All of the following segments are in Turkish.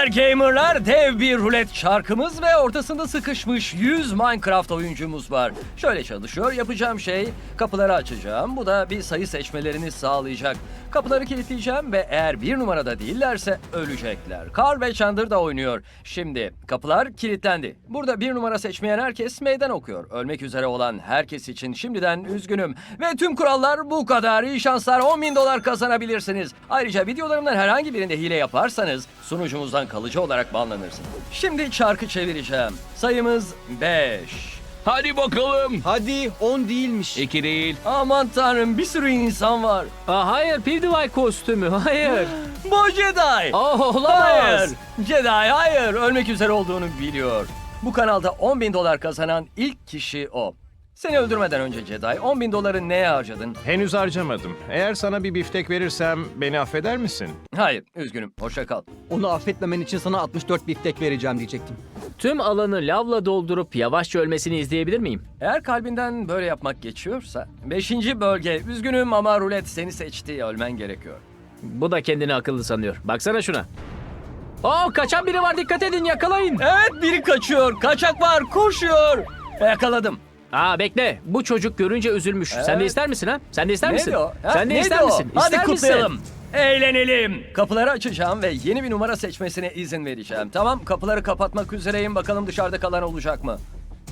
Selamlar gamerlar. Dev bir rulet çarkımız ve ortasında sıkışmış 100 Minecraft oyuncumuz var. Şöyle çalışıyor. Yapacağım şey kapıları açacağım. Bu da bir sayı seçmelerini sağlayacak. Kapıları kilitleyeceğim ve eğer bir numarada değillerse ölecekler. Carl ve Chandler da oynuyor. Şimdi kapılar kilitlendi. Burada bir numara seçmeyen herkes meydan okuyor. Ölmek üzere olan herkes için şimdiden üzgünüm. Ve tüm kurallar bu kadar. İyi şanslar. $10.000 kazanabilirsiniz. Ayrıca videolarımdan herhangi birinde hile yaparsanız sunucumuzdan kalıcı olarak banlanırsınız. Şimdi çarkı çevireceğim. Sayımız 5. Hadi bakalım. Hadi 10 değilmiş. 2 değil. Aman tanrım, bir sürü insan var. Hayır, PewDiePie kostümü. Hayır. Bu Jedi. Olamaz. Hayır. Jedi hayır. Ölmek üzere olduğunu biliyor. Bu kanalda $10.000 kazanan ilk kişi o. Seni öldürmeden önce Jedi, $10.000'ı neye harcadın? Henüz harcamadım. Eğer sana bir biftek verirsem beni affeder misin? Hayır, üzgünüm. Hoşça kal. Onu affetmemen için sana 64 biftek vereceğim diyecektim. Tüm alanı lavla doldurup yavaşça ölmesini izleyebilir miyim? Eğer kalbinden böyle yapmak geçiyorsa... 5. bölge. Üzgünüm ama rulet seni seçti. Ölmen gerekiyor. Bu da kendini akıllı sanıyor. Baksana şuna. Kaçan biri var, dikkat edin, yakalayın. Evet, biri kaçıyor. Kaçak var. Koşuyor. Yakaladım. Bekle. Bu çocuk görünce üzülmüş. Sen de Evet. ister misin ha? Sen de ister misin? Neydi o? Ha, Sen de neydi ister o? misin? Hadi İster kutlayalım. misin? Eğlenelim. Kapıları açacağım ve yeni bir numara seçmesine izin vereceğim. Tamam, kapıları kapatmak üzereyim. Bakalım dışarıda kalan olacak mı?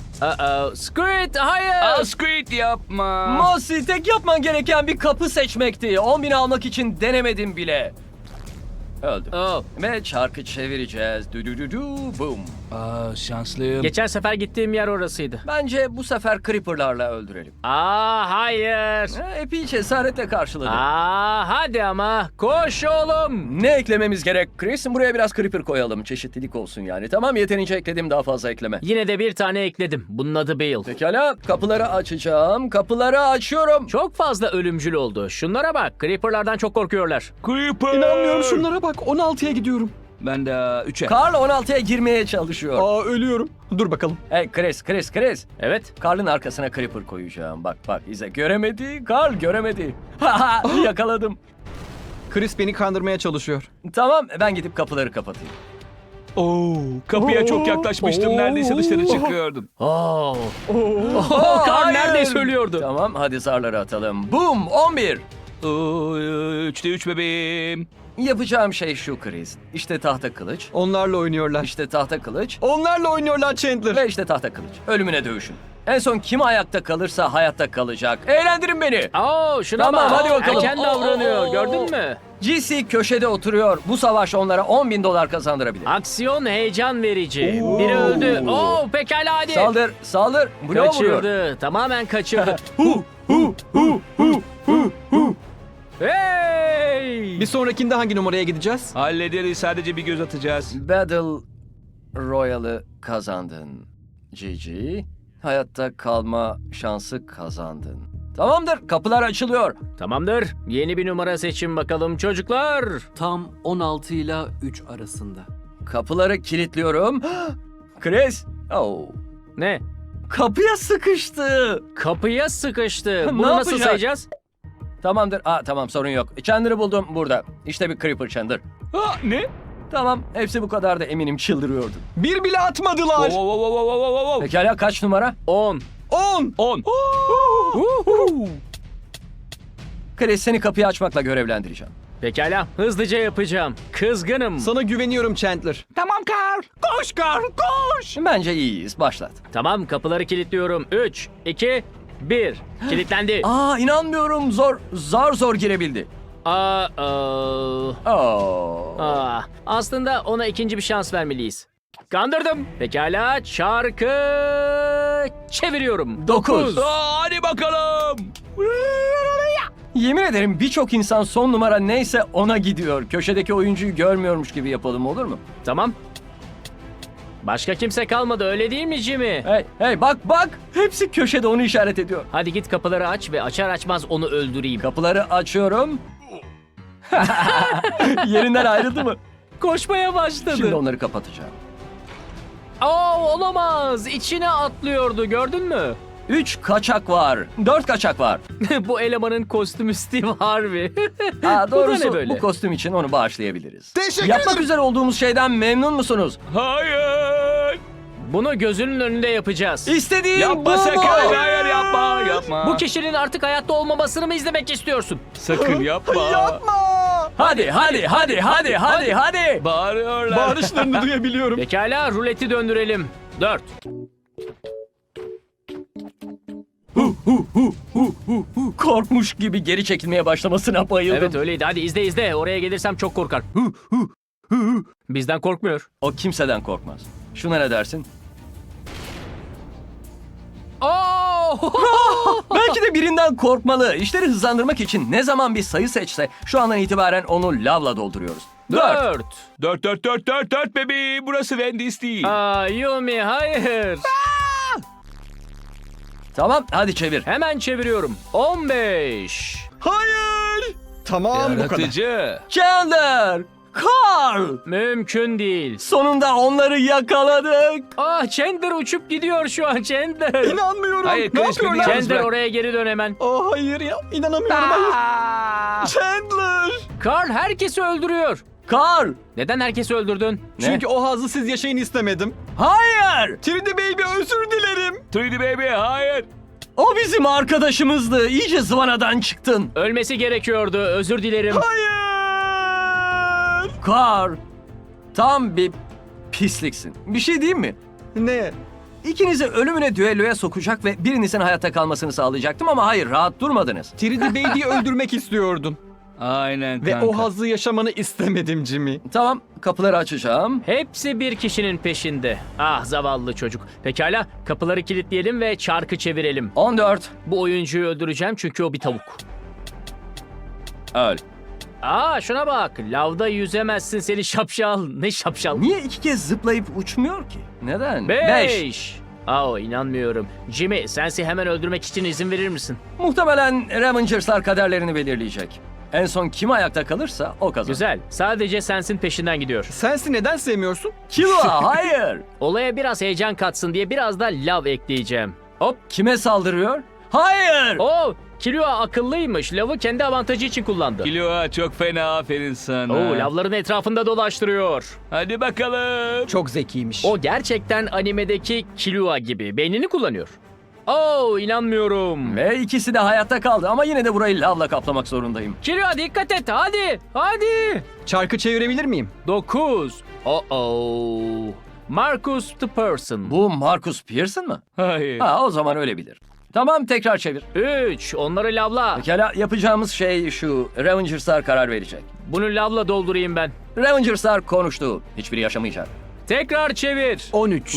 Squid, hayır. Squid yapma. Mosi, tek yapman gereken bir kapı seçmekti. 10.000 almak için denemedim bile. Öldüm. Ve çarkı çevireceğiz. Du du du du boom. Şanslıyım. Geçen sefer gittiğim yer orasıydı. Bence bu sefer Creeper'larla öldürelim. Hayır. Epey cesaretle karşıladı. Hadi ama. Koş oğlum. Ne eklememiz gerek Chris? Buraya biraz Creeper koyalım. Çeşitlilik olsun yani. Tamam, yeterince ekledim, daha fazla ekleme. Yine de bir tane ekledim. Bunun adı Bale. Pekala, kapıları açacağım. Kapıları açıyorum. Çok fazla ölümcül oldu. Şunlara bak. Creeper'lardan çok korkuyorlar. Creeper. İnanmıyorum, şunlara bak. 16'ya gidiyorum. Ben de 3'e. Carl 16'ya girmeye çalışıyor. Ölüyorum. Dur bakalım. Hey Chris. Evet. Carl'ın arkasına Creeper koyacağım. Bak izle. Göremedi. Carl göremedi. Haha, yakaladım. Chris beni kandırmaya çalışıyor. Tamam, ben gidip kapıları kapatayım. Kapıya çok yaklaşmıştım. Neredeyse dışarı çıkıyordun. Carl Hayır. neredeyse ölüyordu. Tamam, hadi zarları atalım. Boom, 11. 3'te 3 bebeğim. Yapacağım şey şu Chris. İşte tahta kılıç. Onlarla oynuyorlar. İşte tahta kılıç. Onlarla oynuyorlar Chandler. Ve işte tahta kılıç. Ölümüne dövüşün. En son kim ayakta kalırsa hayatta kalacak. Eğlendirin beni. Şuna Tamam, bak. hadi bakalım. Erken davranıyor. Gördün mü? GC köşede oturuyor. Bu savaş onlara $10.000 kazandırabilir. Aksiyon heyecan verici. Biri öldü. Pekala hadi. Saldır. Bloğa vuruyor. Kaçırdı. Tamamen kaçırdı. Hey! Bir sonrakinde hangi numaraya gideceğiz? Hallederiz. Sadece bir göz atacağız. Battle Royale'ı kazandın. GG. Hayatta kalma şansı kazandın. Tamamdır, kapılar açılıyor. Tamamdır. Yeni bir numara seçin bakalım çocuklar. Tam 16 ile 3 arasında. Kapıları kilitliyorum. Chris. Ne? Kapıya sıkıştı. Kapıya sıkıştı. Ne Bunu nasıl yapacak? sayacağız? Tamamdır. Tamam, sorun yok. Chandler'ı buldum burada. İşte bir Creeper Chandler. Ne? Tamam, hepsi bu kadar da eminim çıldırıyordu. Bir bile atmadılar. Pekala, kaç numara? 10. 10. 10. Chris, seni kapıyı açmakla görevlendireceğim. Pekala. Hızlıca yapacağım. Kızgınım. Sana güveniyorum Chandler. Tamam Carl. Koş Carl koş. Bence iyiyiz. Başlat. Tamam, kapıları kilitliyorum. 3, 2, 1. Kilitlendi. İnanmıyorum. Zor girebildi. Aslında ona ikinci bir şans vermeliyiz. Kandırdım. Pekala, çarkı çeviriyorum. 9. Hadi bakalım. Yemin ederim birçok insan son numara neyse ona gidiyor. Köşedeki oyuncuyu görmüyormuş gibi yapalım, olur mu? Tamam. Başka kimse kalmadı, öyle değil mi Jimmy? Hey bak. Hepsi köşede onu işaret ediyor. Hadi git kapıları aç ve açar açmaz onu öldüreyim. Kapıları açıyorum. Yerinden ayrıldı mı? Koşmaya başladı. Şimdi onları kapatacağım. Olamaz. İçine atlıyordu, gördün mü? 3 kaçak var. 4 kaçak var. Bu elemanın kostümü Steve Harvey. Ha, Bu da ne doğrusu böyle? bu kostüm için onu bağışlayabiliriz. Teşekkür Yapmak ederim. üzere olduğumuz şeyden memnun musunuz? Hayır. Bunu gözünün önünde yapacağız. İstediğim bu Yapma mu? sakın. Hayır yapma. Yapma. Bu kişinin artık hayatta olmamasını mı izlemek istiyorsun? Sakın yapma. Yapma. Hadi. Bağırıyorlar. Bağırışlarını duyabiliyorum. Pekala, ruleti döndürelim. 4. Korkmuş gibi geri çekilmeye başlamasına bayıldım. Evet öyleydi. Hadi izle. Oraya gelirsem çok korkar. Bizden korkmuyor. O kimseden korkmaz. Şuna ne dersin? Oo! Belki de birinden korkmalı. İşleri hızlandırmak için ne zaman bir sayı seçse şu andan itibaren onu lavla dolduruyoruz. 4. 4. 4 bebeğim. Burası Wendy's değil. Aa, Yumi hayır. Tamam hadi çevir. Hemen çeviriyorum. 15. Hayır. Tamam bu kadar. Yaratıcı. Chandler! Carl! Mümkün değil. Sonunda onları yakaladık. Ah, Chandler uçup gidiyor şu an Chandler. İnanmıyorum. Hayır, ne Chris, beni yapıyorlar? yalnız Chandler bırak. oraya geri dön hemen. Oh hayır ya. İnanamıyorum hayır. Chandler. Carl herkesi öldürüyor. Carl! Neden herkesi öldürdün? Ne? Çünkü o hazzı siz yaşayın istemedim. Hayır! 3D Baby özür dilerim. 3D baby hayır. O bizim arkadaşımızdı. İyice zıvanadan çıktın. Ölmesi gerekiyordu. Özür dilerim. Hayır. Carl! Tam bir pisliksin. Bir şey diyeyim mi? Ne? İkinizi ölümüne düelloya sokacak ve birinizin hayatta kalmasını sağlayacaktım ama hayır rahat durmadınız. 3D Baby'yi öldürmek istiyordun. Aynen Ve kanka. o hazzı yaşamanı istemedim Jimmy. Tamam kapıları açacağım. Hepsi bir kişinin peşinde. Ah zavallı çocuk. Pekala, kapıları kilitleyelim ve çarkı çevirelim. 14. Bu oyuncuyu öldüreceğim çünkü o bir tavuk. Öl. Aa şuna bak. Lavda yüzemezsin seni şapşal. Ne şapşal? Niye 2 kez zıplayıp uçmuyor ki? Neden? 5. Aa inanmıyorum. Jimmy, sensi hemen öldürmek için izin verir misin? Muhtemelen Revengers'lar kaderlerini belirleyecek. En son kim ayakta kalırsa o kazanır. Güzel. Sadece sensin peşinden gidiyor. Sensi neden sevmiyorsun? Killua hayır. Olaya biraz heyecan katsın diye biraz da lav ekleyeceğim. Hop. Kime saldırıyor? Hayır. Oo, Killua akıllıymış. Lavı kendi avantajı için kullandı. Killua çok fena, aferin sana. Oo, lavların etrafında dolaştırıyor. Hadi bakalım. Çok zekiymiş. O gerçekten animedeki Killua gibi. Beynini kullanıyor. Oo, inanmıyorum. Ve ikisi de hayatta kaldı ama yine de burayı lavla kaplamak zorundayım. Killua dikkat et. Hadi. Çarkı çevirebilir miyim? 9. Marcus the Person. Bu Marcus Pearson mı? Hayır. Ha o zaman öyle bilir. Tamam tekrar çevir. 3. Onları lavla. Pekala yapacağımız şey şu. Revengers'lar karar verecek. Bunu lavla doldurayım ben. Revengers'lar konuştu. Hiçbiri yaşamayacak. Tekrar çevir. 13.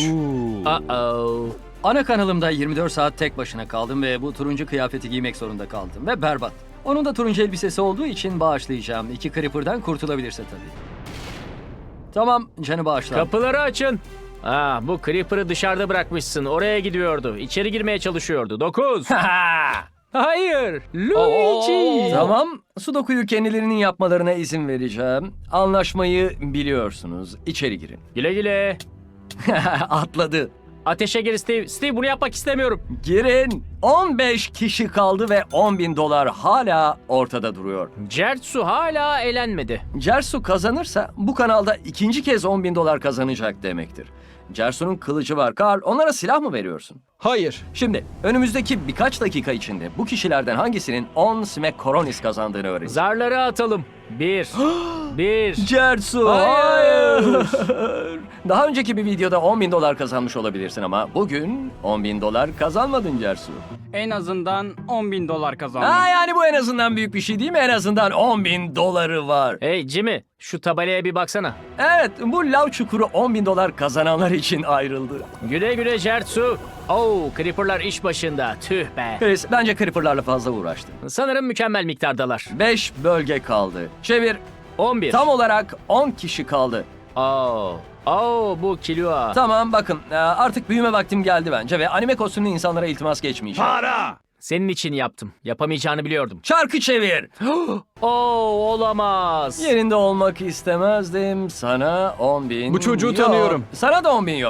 Ana kanalımda 24 saat tek başına kaldım ve bu turuncu kıyafeti giymek zorunda kaldım ve berbat. Onun da turuncu elbisesi olduğu için bağışlayacağım. 2 Creeper'dan kurtulabilirse tabii. Tamam, canı bağışla. Kapıları açın. Bu Creeper'ı dışarıda bırakmışsın. Oraya gidiyordu. İçeri girmeye çalışıyordu. 9. Hayır. Luigi. Tamam, Sudoku'yu kendilerinin yapmalarına izin vereceğim. Anlaşmayı biliyorsunuz. İçeri girin. Güle güle. Atladı. Ateşe gir Steve. Steve bunu yapmak istemiyorum. Girin. 15 kişi kaldı ve $10.000 hala ortada duruyor. Certsu hala elenmedi. Cersu kazanırsa bu kanalda ikinci kez $10.000 kazanacak demektir. Cersu'nun kılıcı var. Carl, onlara silah mı veriyorsun? Hayır. Şimdi önümüzdeki birkaç dakika içinde bu kişilerden hangisinin 10 Smack Koronis kazandığını öğreneceğiz. Zarları atalım. 1. 1. Cersu, Hayır. Daha önceki bir videoda $10.000 kazanmış olabilirsin ama bugün $10.000 kazanmadın Cersu. En azından $10.000 kazandım. Yani bu en azından büyük bir şey değil mi? En azından $10.000 var. Hey Jimmy, şu tabelaya bir baksana. Evet, bu lav çukuru $10.000 kazananlar için ayrıldı. Güle güle Certsu. Creeper'lar iş başında. Tüh be. Chris, bence Creeper'larla fazla uğraştın. Sanırım mükemmel miktardalar. 5 bölge kaldı. Çevir. 11. Tam olarak 10 kişi kaldı. Bu Killua. Tamam bakın artık büyüme vaktim geldi bence ve anime kostümlü insanlara iltimas geçmeyeceğim. Senin için yaptım. Yapamayacağını biliyordum. Çarkı çevir. Olamaz. Yerinde olmak istemezdim. Sana 10.000 Bu çocuğu yok. tanıyorum. Sana da 10.000 yok.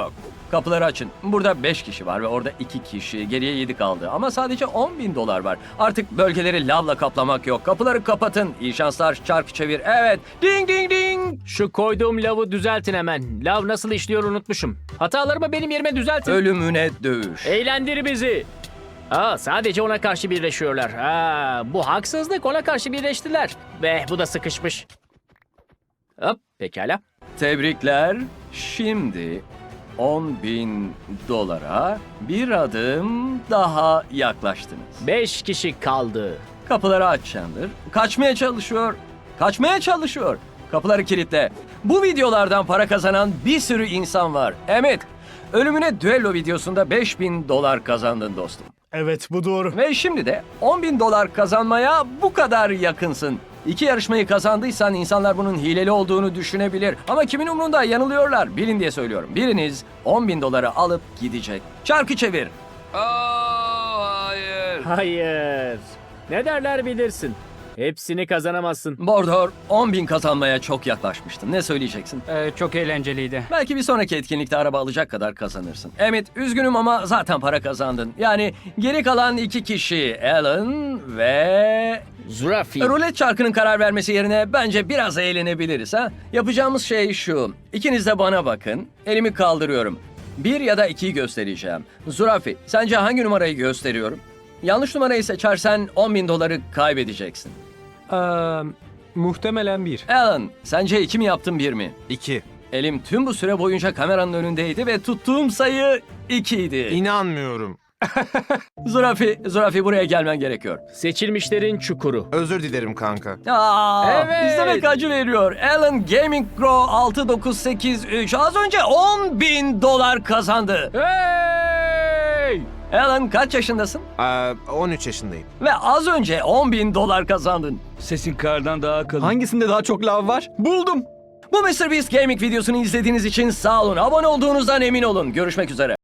Kapıları açın. Burada 5 kişi var ve orada 2 kişi. Geriye 7 kaldı. Ama sadece 10.000 dolar var. Artık bölgeleri lavla kaplamak yok. Kapıları kapatın. İyi şanslar. Çarkı çevir. Evet. Ding ding ding. Şu koyduğum lavı düzeltin hemen. Lav nasıl işliyor unutmuşum. Hatalarımı benim yerime düzeltin. Ölümüne dövüş. Eğlendir bizi. Sadece ona karşı birleşiyorlar. Bu haksızlık, ona karşı birleştiler. Ve bu da sıkışmış. Hop, pekala. Tebrikler. Şimdi 10.000 dolara bir adım daha yaklaştınız. 5 kişi kaldı. Kapıları aç Chandler. Kaçmaya çalışıyor. Kaçmaya çalışıyor. Kapıları kilitle. Bu videolardan para kazanan bir sürü insan var. Emmett, ölümüne düello videosunda 5.000 dolar kazandın dostum. Evet, bu doğru. Ve şimdi de 10.000 dolar kazanmaya bu kadar yakınsın. 2 yarışmayı kazandıysan insanlar bunun hileli olduğunu düşünebilir. Ama kimin umrunda, yanılıyorlar. Bilin diye söylüyorum. Biriniz 10.000 doları alıp gidecek. Çarkı çevir. Hayır. Hayır. Ne derler bilirsin. Hepsini kazanamazsın. Bordor, 10.000 kazanmaya çok yaklaşmıştın. Ne söyleyeceksin? Çok eğlenceliydi. Belki bir sonraki etkinlikte araba alacak kadar kazanırsın. Emmett, üzgünüm ama zaten para kazandın. Yani geri kalan 2 kişi, Alan ve... Zürafi. Rulet çarkının karar vermesi yerine bence biraz eğlenebiliriz ha. Yapacağımız şey şu. İkiniz de bana bakın. Elimi kaldırıyorum. 1 ya da 2'yi göstereceğim. Zürafi, sence hangi numarayı gösteriyorum? Yanlış numarayı seçersen 10.000 doları kaybedeceksin. Muhtemelen 1. Alan, sence 2 mi yaptın 1 mi? 2. Elim tüm bu süre boyunca kameranın önündeydi ve tuttuğum sayı 2 idi. İnanmıyorum. Zürafi buraya gelmen gerekiyor. Seçilmişlerin çukuru. Özür dilerim kanka. Evet. İzlemek acı veriyor. Alan Gaming Pro 6983 az önce 10.000 dolar kazandı. Hey! Alan kaç yaşındasın? 13 yaşındayım. Ve az önce 10.000 dolar kazandın. Sesin kardan daha kalın. Hangisinde daha çok lav var? Buldum. Bu MrBeast Gaming videosunu izlediğiniz için sağ olun. Abone olduğunuzdan emin olun. Görüşmek üzere.